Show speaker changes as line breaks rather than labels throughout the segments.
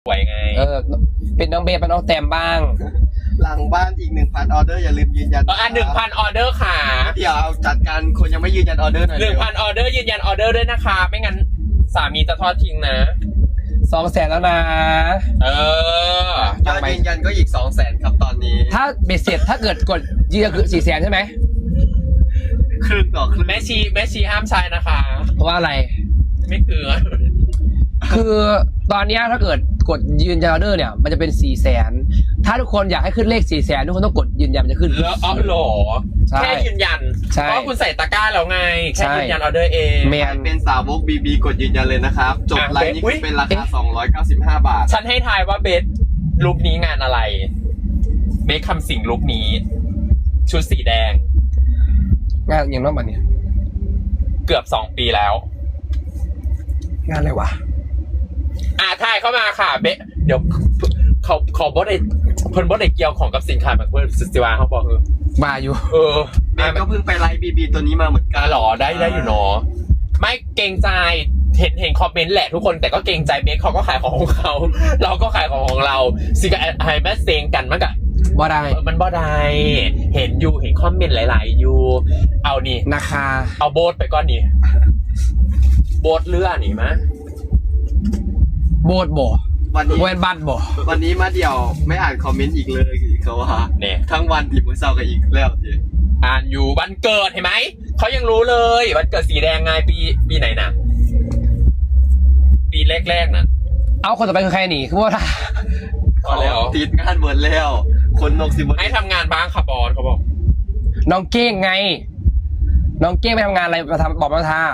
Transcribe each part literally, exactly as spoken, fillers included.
สวยไง
เออเป็นน้องเบสเป็นน้องแตมบ้าง
หลังบ้านอีกหนึ่งพันออเดอร์อย่าลืมยืนยัน
อ่ะหนึ่งพันออเดอร์ค่ะ
เดี๋ยวจัดการคนยังไม่ยืนยันออเดอร์หน่อย
หนึ่งพันออเดอร์ยืนยันออเดอร์ด้วยนะคะไม่งั้นสามีจะทอดทิ้งนะ
สองแสนแล้วนะ
เออย
อดยืนยันก็อีกสองแสนครับตอนนี้
ถ้าเบ็ดเสร็จถ้าเกิดกดยืนยันคือสี่แสนใช่ไหม
ครึ่งต่อครึ่ง
แม่ชีแม่ชีห้ามใช้นะคะ
เพราะว่าอะไร
ไม่เกลือ
คือตอนนี้ถ้าเกิดกดยืนยันออเดอร์เนี่ยมันจะเป็นสี่แสนถ้าทุกคนอยากให้ขึ้นเลขสี่แสนทุกคนต้องกดยืนยันมันจะขึ้น
แล้วอ๋อหรอแค่ยืนยันเพราะคุณใส่ตะกร้าแล้วไงแค่ยืนยันออเดอร์เอง
แมน
เป็นสาวกบีบีกดยืนยันเลยนะครับจบไลน์นี้เป็นราคาสองร้อยเก้าสิบห้าบาท
ฉันให้ทายว่าเบสลุคนี้งานอะไรเบสคำสิงลุคนี้ชุดสีแดง
งานอย่างนั้นบัดเนี่ย
เกือบสองปีแล้ว
งานอะไรวะ
อ่าทายเข้ามาค่ะเบสเดี๋ยวเขาเขาบอสได้เพิ่นบอสได้เกี่ยวของกับสินค้าแบบเพิ่นสิวาเขาบอกเออ
มาอยู่
เออ
เบสก็เพิ่งไปไลน์บีบีตัวนี้มาเหมือนกัน
หรอได้ได้อยู่เนาะไม่เกรงใจเห็นเห็นคอมเมนต์แหละทุกคนแต่ก็เกรงใจเบสเขาก็ขายของของเขาเราก็ขายของของเราสิกับไฮแมสเซงกันมั้งกะ
บ่ได้
มันบ่ได้เห็นอยู่เห็นคอมเมนต์หลายๆอยู่เอานี่
นะคะ
เอาโบสไปก่อนนี่โบสเลื่อนี่มะ
โบสบ่
วันนี้
เวนบัตบ่
วันนี้มาเดี่ยวไม่อ่านคอมเมนต์อีกเลยเขาว่า
เนี่ย
ทั้งวันที่มือเศร้ากันอีกแล้วที
อ่านอยู่วันเกิดเห็นไหมเขายังรู้เลยวันเกิดสีแดงไงปีปีไหนนะปีแรกๆน่ะ
เอาคนต่อไปคือใครหนีคือว่า
เขาติดงานเหมือนแล้วคนนกสิบ
ให้ทำงานบ้างค่ะบอลเขาบอก
น้องเก้งไงน้องเก้งไปทำงานอะไรมาทำบอกมาทา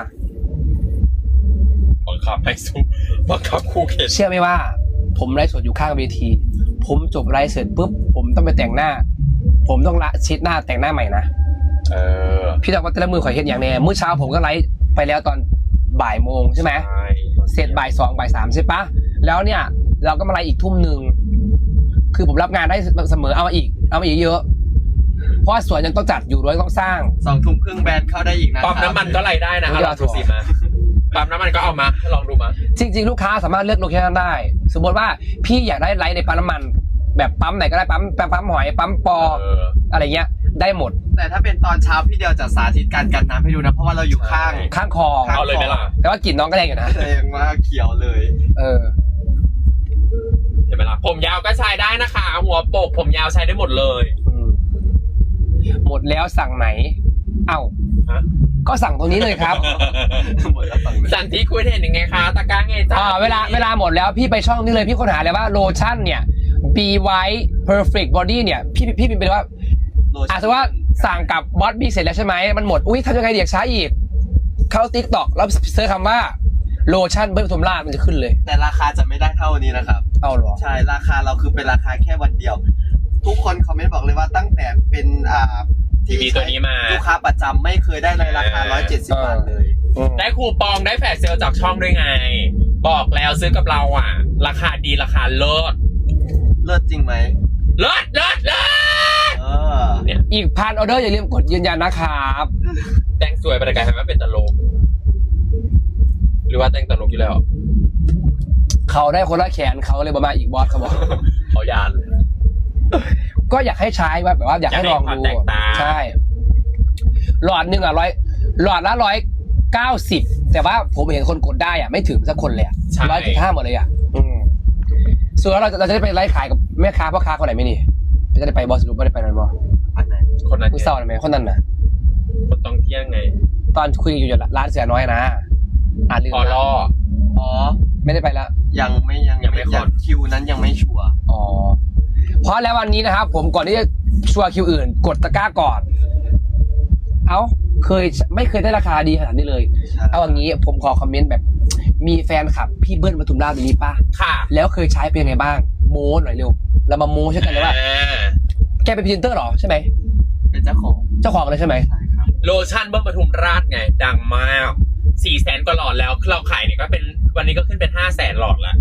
บังคับให้สู้บังคับคู่เขต
เชื่อไหมว่าผมไลฟ์สดอยู่ข้างเวทีผมจบไลฟ์เสร็จปุ๊บผมต้องไปแต่งหน้าผมต้องละชิดหน้าแต่งหน้าใหม่นะ
เออ
พี่ดอกว่าแต่ละมือขอเห็นอย่างแน่เมื่อเช้าผมก็ไลฟ์ไปแล้วตอนบ่ายโมงใช่ไหมเสร็จบ่ายสองบ่ายสามใช่ปะแล้วเนี่ยเราก็มาไลฟ์อีกทุ่มหนึ่งคือผมรับงานได้เสมอเอามาอีกเอามาอีกเยอะเพราะสวนยังต้องจัดอยู่ด้วยต้องสร้าง
สองทุ่มครึ่งแบรนด์เข้าได้อีกนะ
ปั๊มน้ำมันก็ไล่ได้นะเราถูกสิมาปั๊มน้ำมันก็เอามาลองดูมา
จริงๆลูกค้าสามารถเลือกโลเคชั่นได้สมมติว่าพี่อยากได้ไลฟ์ในปั๊มน้ำมันแบบปั๊มไหนก็ได้ปั๊มปั๊มหอยปั๊มปออะไรเงี้ยได้หมด
แต่ถ้าเป็นตอนเช้าพี่เดียวจะสาธิตการกันน้ำให้ดูนะเพราะว่าเราอยู่ข้าง
ข้างคลอง
เอาเลยไหมล่ะ
แต่ว่ากลิ่นน้องก็แรงอยู่นะ
แรงมากเขียวเลย
เออ
เห็นไหมล่ะผมยาวก็ใช้ได้นะคะหัวโปกผมยาวใช้ได้หมดเลย
หมดแล้วสั่งไหนเอ้าก็สั่งตรงนี้เลยครับ
หมดแล้วสั่ง
สั่งที่คุยเห็นยังไงคะตะก้าไงจ้า
เวลาเวลาหมดแล้วพี่ไปช่องนี้เลยพี่ค้นหาเลยว่าโลชั่นเนี่ย Be White Perfect Body เนี่ยพี่พี่พิมพ์ไปว่าอาจจะว่าสั่งกับบอสบี้เสร็จแล้วใช่ไหมมันหมดอุ้ยทำยังไงเดี๋ยวช้าอีกเข้า TikTok แล้วเซิร์ชคำว่าโลชั่นเบิ้ลปทุมราชมันจะขึ้นเลย
แต่ราคาจะไม่ได้เท่านี้นะครับ
เอาหรอ
ใช่ราคาเราคือเป็นราคาแค่วันเดียวทุกคนคอมเมนต์บอกเลยว่าตั้งแต่เป็นอ่า
ที่มีตัวนี้มา
ลูกค้าประจำไม่เคยได้ในราคาหนึ่งร้อยเจ็ดสิบบาทเลย
ได้คูปองได้แฟลชเซลจากช่องด้วยไงบอกแล้วซื้อกับเราอ่ะราคาดีราคาเลิศ
เลิศจริงไหม
เลิศเลิศเลิศ
เออ
เนี่ยอีกพันออเดอร์อย่าลืมกดยืนยันนะครับ
แต่งสวยไปแต่กลายเป็นเป็นตลกหรือว่าแต่งตลกอยู่แล้ว
เขาได้คนละแขนเขาเลยมาอีกบอสเขาบอก
เขายาน
ก็อยากให้ใช้ว่าแบบว่าอยากให้ลองดูใช่หลอดหนึ่งอ่ะร้อยหลอดละร้อยเก้าสิบแต่ว่าผมเห็นคนกดได้อ่ะไม่ถึงสักคนเลยอ่ะร้อยจุดห้าหมดเลยอ่ะอืมส่วนเราเราจะได้ไปไลฟ์ขายกับแม่ค้าพ่อค้าคนไหนไม่นี่จะได้ไปบอสรุปไม่ได้ไปนั่นบอ
คนนั้น
ผู้เศร้าไหมคนนั้นน่ะ
คนต้องเที่ยงไง
ตอนคุยอยู่ร้านเสือน้อยนะอ่านลืม
พอล่อ
อ๋อ
ไม่ได้ไปแล้ว
ยังไม่ยัง
ยังไม่ขอ
คิวนั้นยังไม่ชัวร์
อ๋อเพราะแล้ววันนี้นะครับผมก่อนที่จะชัวร์คิวอื่นกดตะกร้าก่อนเอ้าเคยไม่เคยได้ราคาดีขนาดนี้เลยเอาอย่างนี้ผมขอคอมเมนต์แบบมีแฟนคลับพี่เบิ้ลปทุมราชตรงนี้ป่ะ
ค่ะ
แล้วเคยใช้เป็นยังไงบ้างโม้หน่อยเร็วเรามาโม้ใช่กันเลยว่าแกเป็นพรีเซนเตอร์หรอใช่ไหม
เป็นเจ้าของ
เจ้าของเลยใช่ไหม
ใช่ครับ
โลชั่นเบิ้ลปทุมราชไงดังมากสี่แสนกว่าหลอดแล้วเราขายเนี่ยก็เป็นวันนี้ก็ขึ้นเป็นห้าแสนหลอดละ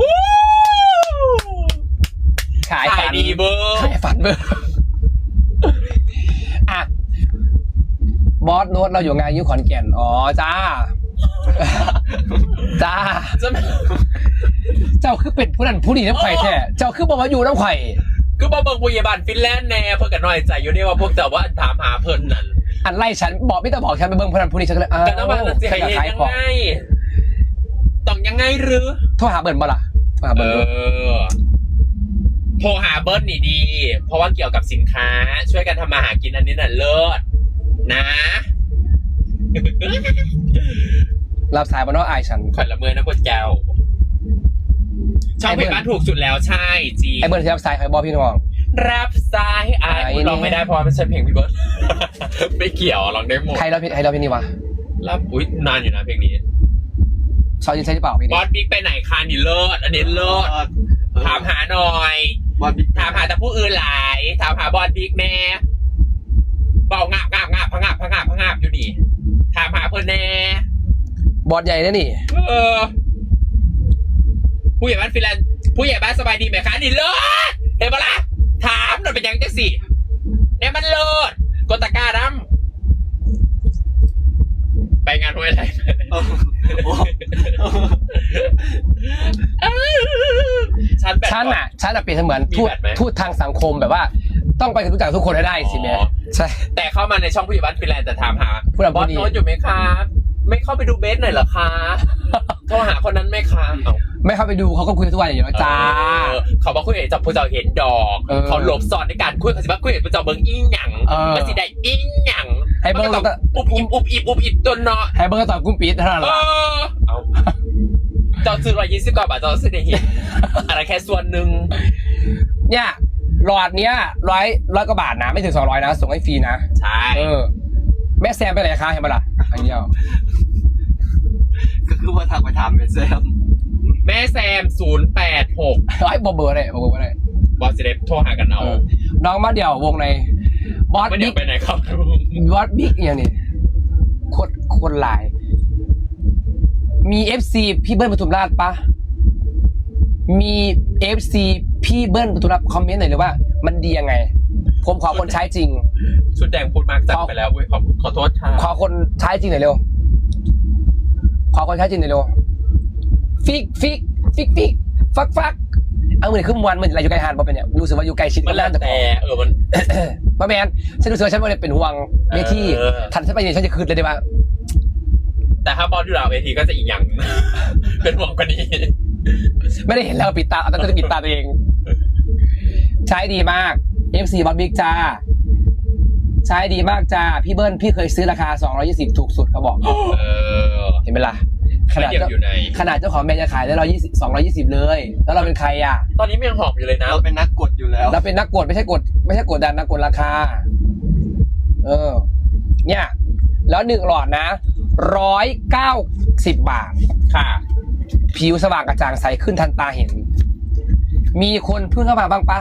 ขายฝัน
ดีเบอร์
ขายฝันเบอร์อ่ะบอสโน้ตเราอยู่งานยุคขอนแก่นอ๋อจ้าจ้าเจ้าคือเป็นผู้นั้นผู้นี้น้ำไข่แท้เจ้าคือบอกว่าอยู่น้ำไข่
คือบ่เบิ่งพยาบาลฟินแลนด์แน่เพิ่นก็น้อยใจอยู่เด้ว่าพวกเจ้าว่าถามหาเพิ่นนั่น
อันไล่ฉันบอกไม่ต้องบอกฉันไปเบิ่งผู้นั้นผู้นี้ฉันก็เลยอ้าว
ก็ต้องว่ามันสิให้เฮ็ดยังไงต้องยังไงหรือ
โทรหาเบิร์นบ่ล่ะโทรหา
เอ
เบิร์น
อโทรหาเบิ้ลนี่ดี เพราะว่าเกี่ยวกับสินค้าช่วยกันทำมาหากินอันนี้น่ะเลิศนะ
รับสายบนน้องอายฉัน
ข่อยละเมอนะกดแก้วช่องเพลงบ้านถูกสุดแล้วใช่จี
ไอ้เบิร์นที่รับสายใครบอกพี่น้อง
รับสายไอ้
ไอ้นี่
ร้องไม่ได้เพราะว่าไม่ใช่เพลงพี่เบิร์ด ไม่เกี่ยวร้องได้หมด
ใครรับใครรับพี่นี่วะ
รับอุ้ยนานอยู่นะเพลงนี้
ซอยยินใช่หรือเปล่าพี่
บ
นี่
อสบิ๊กไปไหนคะนี่เลิศอันนี้เลิศถามหาหน่อย
บอลบิ๊ก
ถามหาแต่ผู้อื่นหลายถามหาบอสบิ๊กแน่เบางาบงาบงาบพังงาบพังงาบพังงาบอยู่ดีถามหาเพื่อนแน่
บอสใหญ่นะนี่
เออผู้ใหญ่บ้านฟินแลนด์ผู้ใหญ่บ้านสบายดีไหมคะนี่เลิศเห็นปะล่ะถามหน่อยเป็นยังจังสิเนี่ยมันเลิศกดตะกร้าดำไปงานห้วยไร
โอ้โห
ฉันแบบ
ฉันอ่ะฉันอ่ะเปรียบเสมือน
มี
ทูต
แบตไหม
ทูตทางสังคมแบบว่า ต้องไปรู้จักทุกคนให้ได้สิแม่
อ๋อ
ใช่
แต่เข้ามาในช่องผู้ใหญ่บ้านฟินแลนด์แต่ถามหา
ผู้ใหญ่
บอ
บ้า
ส
นดี
โน้ตอยู่ไหมครับไม่เข้าไปดูเบสหน่อยเหรอคะโทรหาคนนั้นไหมคะเอ้า
ไม่เข้าไปดูเขาก็คุยทุกวันอย่างนี้จ้า
เออเขาบอกคุยเห็นจับผู้เจ้าเห็นดอก
เออ
เขาหลบซ่อนในการคุยเขาสิว่าคุยเห็นผู้เจ้าเบิ้งอีหยัง
เออ
มันสิได้อีหยัง
ให้เบิ่ง
มันก็ต้องอุบอิบอุบอิบอุบอิบจนเนาะ
ให้เบิร์นตอนกุ้มปีดเท่านั้น
เอ
แหละ
อเอาเจ้าซื้อร้อยยี่สิบกว่าบาทเจ้าซื้อได้เห็นอะไรแค่ส่วนหนึ่ง
เนี่ยหลอดเนี้ยร้อยร้อยกว่าบาทนะไม่ถึงสองร้อยนะส่งให้ฟรีนะ
ใช่
เออแม่แซมไปไหนคะเห็นปะล่ะอันเดียว
ก็คือว่าทางไปถามเมสเซม
แม่แซมศูนย์แปดหก
ร้อยบอเบอร์เลยบอเบอร์เลย
บอสเดฟโทรหากันเอา
เออน้องมาเดี่ยววงในบอส
ไม่เดี๋ย
บิ๊
ว
ก
ไปไหนครับ
บอสบิ๊กอย่างนี้โคตรโคตรหลาย มีเอฟซีพี่เบิ้ลปทุมราชปะมีเอฟซีพี่เบิ้ลปทุมราชคอมเมนต์หน่อยเลยว่า มันดียังไง ผมขอคนใช้จริง
ชุดแดงพูดมากจังไปแล้วเว้ยขอขอโทษค่ะ
ขอคนใช้จริงหน่อยเร็ว ขอคนใช้จริงหน่อยเร็ว ฟิกฟิกฟิกฟิกฟักฟักเอาเหมือนขึ้นวันเหมือนอะไรอยู่ไกลหาดบ่เป็นเนี่ยรู้สึกว่าอยู่ไกลชิด
มันแล้ว
แต่
แต่เออมัน
ป้าแมนฉันรู้สึกว่าฉันไม่ได้เป็นห่วงเวที
เออ
ทันฉันไปเนี่ยฉันจะคืนเลยได้ปะ
แต่ถ้าบอสอยู่หลังเวทีก็จะอีกอย่าง เป็นห่วงกว่านี้
ไม่ได้เห็นแล้วปิดตาเอาแต่จะปิดตาตัวเอง ใช้ดีมาก เอฟ ซี บอสบิ๊กจ้า ใช้ดีมากจ้า พี่เบิ้ลพี่เคยซื้อราคาสองร้อยยี่สิบถูกสุดเขาบอก
เออ
เห็นไหมล่ะข
ไม่
นาด
เกี่ยว
เจ้า
อยู่ไหน
ขนาดเจ้าของแบรนด์จะขายได้ร้อยยี่สิบสองร้อยยี่สิบเลย แล้วเราเป็นใครอ่ะ
ตอนนี้มันยังหอบอยู่เลยนะ
เราเป็นนักกดอยู่แล้ว
เราเป็นนักกดไม่ใช่กด ไม่ใช่กดดันนักกดราคา เออ เนี่ย แล้วหนึ่งหลอดนะร้อยเก้าสิบบาท
ค่ะ
ผิวสว่างกระจ่างใสขึ้นทันตาเห็น มีคนเพิ่งเข้ามาบ้างปะ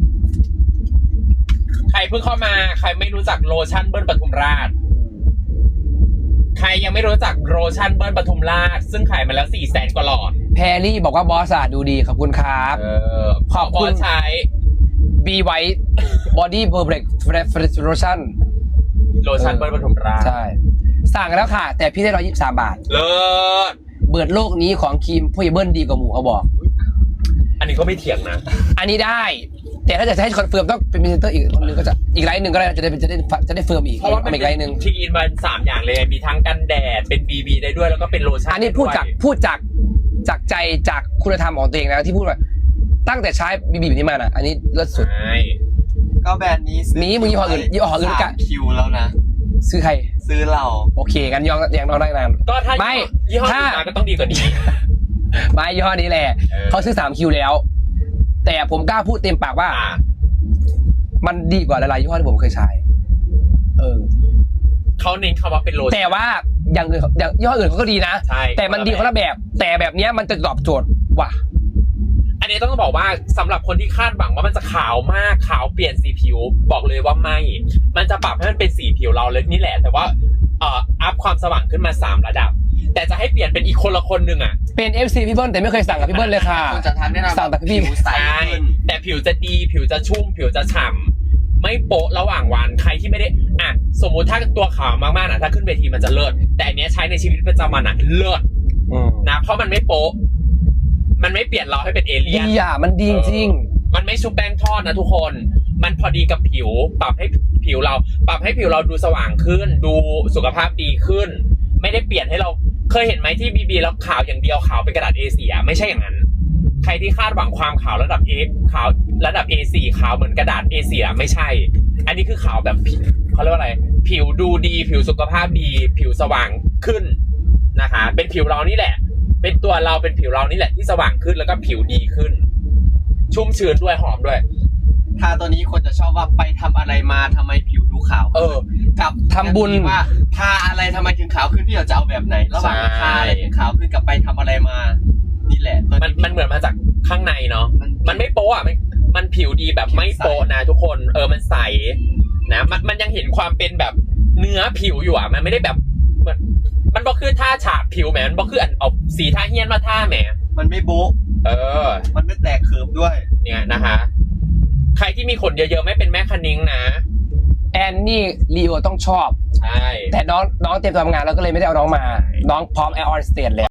ใครเพิ่งเข้ามาใครไม่รู้จักโลชั่นเบิ้ลปทุมราช ใครยังไม่รู้จักโลชั่นเบิ้ลปทุมราช ซึ่งขายมาแล้วสี่แสนกว่าหลอด
แพรรี่บอกว่าบอสอะดูดีขอบคุณครับ
เออ
ขอบคุณ
บสใช้
บีไวท์บอดี้เบอร์เบรกเฟรชโลชั่น
โลชั่นเบิ้ลปทุมราช
ใช่ สั่งแล้วค่ะ แต่พี่ได้ร้อยยี่สิบสามบาท
เลิศ
เบิดโลกนี้ของครีมผู้ใหญ่เบิ้ลดีกว่าหมูเขาบอก
อันนี้ก็ไม่เถียงนะ
อันนี้ได้ แต่ถ้าจะให้คอนเฟิร์มต้องเป็นพรีเซนเตอร์อีกคนหนึงก็จะอีกไลน์หนึ่งก็ได้จะได้จะได้จะได้เฟิร์มอีก
เพราะว่ามัน
อีกไลน์หนึ่ง
ทีอินมันสามอย่างเลย มีทั้งกันแดด เป็น บี บี ได้ด้วย แล้วก็เป็นโลชั่น
อันนี้พูดจากพูดจากจากใจจากคุณธรรมของตัวเองนะที่พูดว่าตั้งแต่ใช้บีบีแบบนี้มาน่ะ อันนี้เลิศสุด
ใช่
ก็แบรนด์นี้ซื้
มีมึงยี่ห้ออื่นยี่ห้ออื่น
สาม
กะ
คิวแล้วนะ
ซื้อใคร
ซื้อเรา
โอเคกันยองยังน้องได้นาน
ก็ถ้า
ไม่
ยี่ห้อ
ถ้า
อื่นมาก็ต้องดีกว่านี้
ไม่ยี่ห้อนี้แหละ
เออ
เขาซื้อสามคิวแล้ว แต่ผมกล้าพูดเต็มปากว่า
อ่ะ
มันดีกว่าหลายๆยี่ห้อที่ผมเคยใช้ เออ
เขาเน้นคำว่าเป็นโลชั่น
แต่ว่าอย่างอื่นอย่างยี่ห้ออื่นเขาก็ดีนะ
ใช่
แต่มันดีคนละแบบ แต่แบบเนี้ยมันจะตอบโจทย์ว่ะ
อันนี้ต้องบอกว่าสำหรับคนที่คาดหวังว่ามันจะขาวมากขาวเปลี่ยนสีผิว บอกเลยว่าไม่ มันจะปรับให้มันเป็นสีผิวเราเลยนี่แหละ แต่ว่าเอ่ออัพความสว่างขึ้นมาสามระดับ แต่จะให้เปลี่ยนเป็นอีกคนละคนหนึ่งอ่ะ
เป็น เอฟ ซี พี่เบิ้ลแต่ไม่เคยสั่งกับพี่เบิ้ลเลยค่ะ
คุณจะทานแนะนำ
สั่งแต่พี่
ผิวใส
ใช่
ขึ้น
แต่ผิวจะดีผิวจะชุ่ม ผิวจะฉ่ำไม่โปะระหว่างวันใครที่ไม่ได้อ่ะสมมุติถ้าตัวขาวมากๆนะถ้าขึ้นเวทีมันจะเลิศแต่อันเนี้ยใช้ในชีวิตประจำวันอ่ะเลิศ
อืม
นะเพราะมันไม่โปะมันไม่เปลี่ยนเราให้เป็นเอเลี่ย
ดี
น
อ่ะมันดีจริง
มันไม่ชุบแป้งทอดนะทุกคน มันพอดีกับผิว ปรับให้ผิวเรา ปรับให้ผิวเราดูสว่างขึ้น ดูสุขภาพดีขึ้น ไม่ได้เปลี่ยนให้เรา เคยเห็นไหมที่บีบีแล้วขาวอย่างเดียวขาวเป็นกระดาษ เอ โฟร์ อ่ะไม่ใช่อย่างนั้น ใครที่คาดหวังความขาวระดับ A ขาวระดับ เอ โฟร์ ขาวเหมือนกระดาษ เอ โฟร์ อ่ะไม่ใช่ อันนี้คือขาวแบบผิวเขาเรียกว่าอะไร ผิวดูดี ผิวสุขภาพดี ผิวสว่างขึ้นนะคะ เป็นผิวเรานี่แหละ เป็นตัวเราเป็นผิวเรานี่แหละที่สว่างขึ้นแล้วก็ผิวดีขึ้น ชุ่มชื้นด้วยหอมด้วย
ทาตัวนี้คนจะชอบว่าไปทำอะไรมาทำไมผิวดูขาว
เออ
กับ
ทำบุญ
ว่าทาอะไรทำไมถึงขาวขึ้นพี่เราจะเอาแบบไหนระหว่าง
ใช่
ทาอะไรถึงขาวขึ้นกับไปทำอะไรมา นี่แหละตัว
มันมันเหมือนมาจากข้างในเนาะ
มัน
มันไม่โป๊ะอ่ะมันมันผิวดีแบบไม่โป๊ะนะทุกคน เออ มันใสนะ มันมันยังเห็นความเป็นแบบเนื้อผิวอยู่อ่ะ มันไม่ได้แบบเหมือนมันบอกคือท่าฉาบผิวแหมมันบอกคืออันเอาสีท่าเฮี้ยนมาท่าแหม
มันไม่โบ๊ะ
เออ
มันไม่แตกเคิร์ฟด้วย
เนี่ยนะคะ ใครที่มีขนเยอะๆไม่เป็นแม่คณิ้งนะ
แอนนี่ลีโอต้องชอบ
ใช่
แต่น้องน้องเตรียมตัวทำงานแล้วก็เลยไม่ได้เอาน้องมา น้องพร้อมแอร์ออนสเตจแล้ว